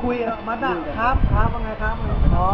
คุยมาด้าครับว่าไงครับอ๋อ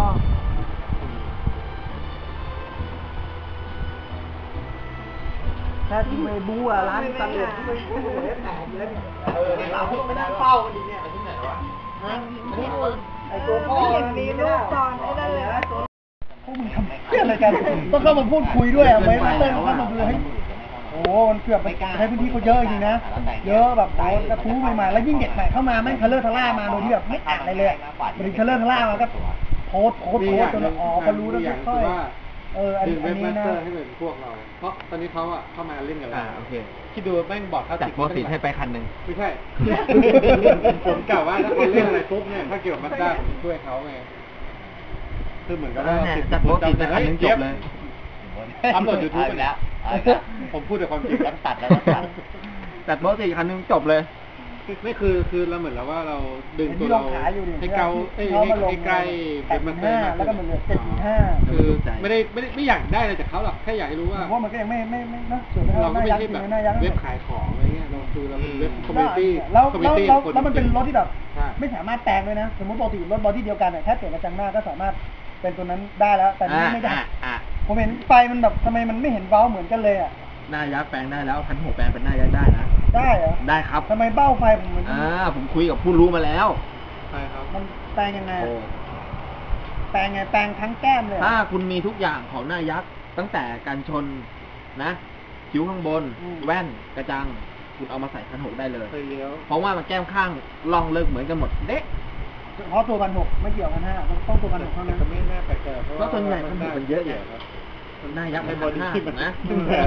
แค่ที่ไม่บู๊อ่ะร้านตัดเหล็กที่ไม่บู๊เลยแตกเลยเราต้องไปนั่งเฝ้ากันดีเนี่ยที่ไหนวะไอตัวพ่อมีลูกตอนไอ้นั่นเลยพวกมึงทำเพื่ออะไรกันต้องเข้ามาพูดคุยด้วยไม่มาเต้นเข้ามาเลยโอ้มันเกือบไปใช้พื้นที่เขาเยอะจริงนะเยอะแบบโอ้กระทู้ใหม่ๆแล้วยิ่งเด็กใหม่เข้ามาแม่งทะเลาะทะล่ามาโดยที่แบบไม่อ่านอะไรเลยมันทะเลาะทะล่ามาก็โพสจนอ๋อเขารู้แล้วค่อยอันนี้นะให้เป็นพวกเราเพราะตอนนี้เขาอะเข้ามาเล่นกันแล้วโอเคคิดดูแม่งบอร์ดเขาจัดโปรติให้ไปคันหนึ่งไม่ใช่ผมกล่าวว่าถ้าคนเล่นอะไรปุ๊บเนี่ยถ้าเกี่ยวกับมัดด้าผมช่วยเขาไงคือเหมือนกับว่าจัดโปรติไปคันหนึ่งจบเลยอัพโหลดยูทูบไปแล้วผมพูดแต่ความจริงแล้วตัดแล้วตัดจัดโปรติคันหนึ่งจบเลยไม่คือเราเหมือนแล้วว่าเราดึงตัวเราให้เกาให้ใกล้เป็นมาเตอร์แล้วก็มันเหลือ7.5 คือไม่อยากได้อะไรจากเขาหรอกแค่อยากให้รู้ว่ามันก็ยังไม่นะเราก็ไม่ใช่แบบเว็บขายของอะไรเงี้ยเราคือเราเป็นเว็บคอมมูนิตี้แล้วมันเป็นรถที่แบบไม่สามารถแปลงเลยนะสมมติปกติรถบอดี้เดียวกันเนี่ยแค่เปลี่ยนกระจังหน้าก็สามารถเป็นตัวนั้นได้แล้วแต่นี่ไม่ได้ผมเห็นไฟมันแบบทำไมมันไม่เห็นเบ้าเหมือนกันเลยอ่ะหน้ายักษ์แปลงได้แล้ว1,600แปลงเป็นหน้ายักษ์ได้นะได้เหรอได้ครับทำไมเบ้าไฟผมเหมือนผมคุยกับผู้รู้มาแล้วใช่ครับมันแปลงยังไงแปลงไงแปลงทั้งแก้มเลยถ้าคุณมีทุกอย่างของหน้ายักษ์ตั้งแต่การชนนะคิ้วข้างบนแว่นกระจังคุณเอามาใส่1,600ได้เลยเพราะว่ามันแก้มข้างล่องเลิกเหมือนกันหมดเด็กเพราะตัว1,600ไม่เกี่ยวกันต้องตัว1,600เท่านั้นไม่น่าแปลกใจเพราะส่วนใหญ่มันเยอะอยู่หน้ายักษ์ในบอดี้มันนะ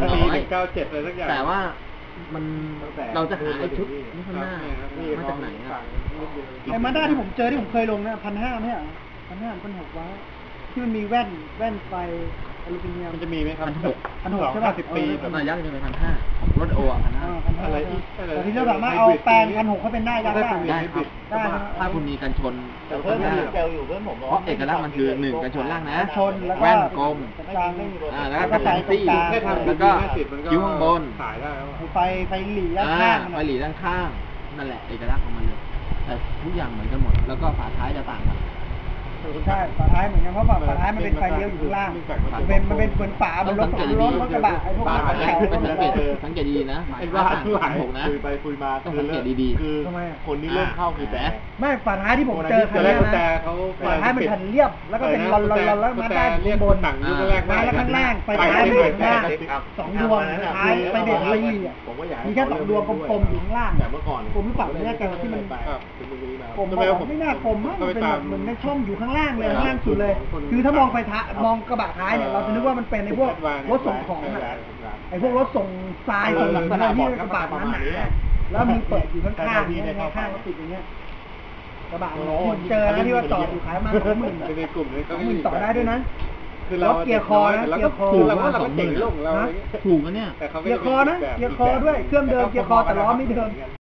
97อะไรสักอย่างแต่ว่ามันเราจะหาไอ้ชุดนี่ข้างหน้ามาจากไหนไอ้มาด้าที่ผมเจอที่ผมเคยลงนะ1,500เนี่ย1,600ว้าที่มันมีแว่นไฟอลูมิเนียมมันจะมีไหมครับ 1,600ใช่ป่ะ 10 ปีหน้ายักษ์จะเป็น1,500ของรถโอ1,500 อะไรแต่ที่เราสามารถเอาแปลง1,600ให้เป็นหน้ายักษ์ได้ครับถ้าคุณมีกันชนเพิ่มเจลอยู่เพิ่มผมเพราะเอกลักษณ์มันคือ1กันชนล่างนะชนแล้วก็แว่นกลมแล้วก็ตัดซี่แล้วก็คิ้วข้างบนไฟหลีด้านข้างไฟหลีด้านข้างนั่นแหละเอกลักษณ์ของมันเลยแต่ทุกอย่างเหมือนกันหมดแล้วก็ฝาท้ายจะต่างกันใช่ฝาท้ายเหมือนกันเพราะฝาท้ายมันเป็นไฟเลี้ยวอยู่ข้างล่างมันเป็นเหมือนฝาบนรถกระบะไอ้พวกสังเกตดีๆนะไอ้ว่า 1,600นะคุยไปคุยมาต้องสังเกตดีๆคือคนที่เริ่มเข้าคือแต่ไม่ฝาท้ายที่ผมเจอคันนี้นะฝาท้ายมันแผ่นเรียบแล้วก็เป็นรอนแล้วมาได้บนหนังยุคแรกมาแล้วข้างล่างไฟท้ายมันอยู่ข้างล่าง2 ดวงท้ายไฟเบรกไฟหลีมีแค่2 ดวงกลมๆอยู่ข้างล่างแต่เมื่อก่อนผมไม่ปรับเนี่ยกันที่มันผมไม่น่ากลมมากมันเป็นแบบเหมือนในช่องอยู่ข้างล่างเลยข้างล่างสุดเลยคือถ้ามองไฟท้ายมองกระบะท้ายเนี่ยเราจะนึกว่ามันเป็นในพวกรถส่งของไอ้พวกรถส่งทรายส่งหลังอะไรที่กระบะนั้นหนาแล้วมีเปิดอยู่ข้างๆนี่ข้างๆก็ติดอย่างเงี้ยกระบะที่เจอแล้วที่ว่าต่ออยู่ขายมา20,000 ในกลุ่มนี้ 20,000ต่อได้ด้วยนะคือเราเกียร์คอนะเกียร์คอเราก็เจ๋งโลกเราถูกนะเนี่ยเกียร์คอนะเกียร์คอด้วยเครื่องเดิมเกียร์คอแต่ล้อไม่เดิม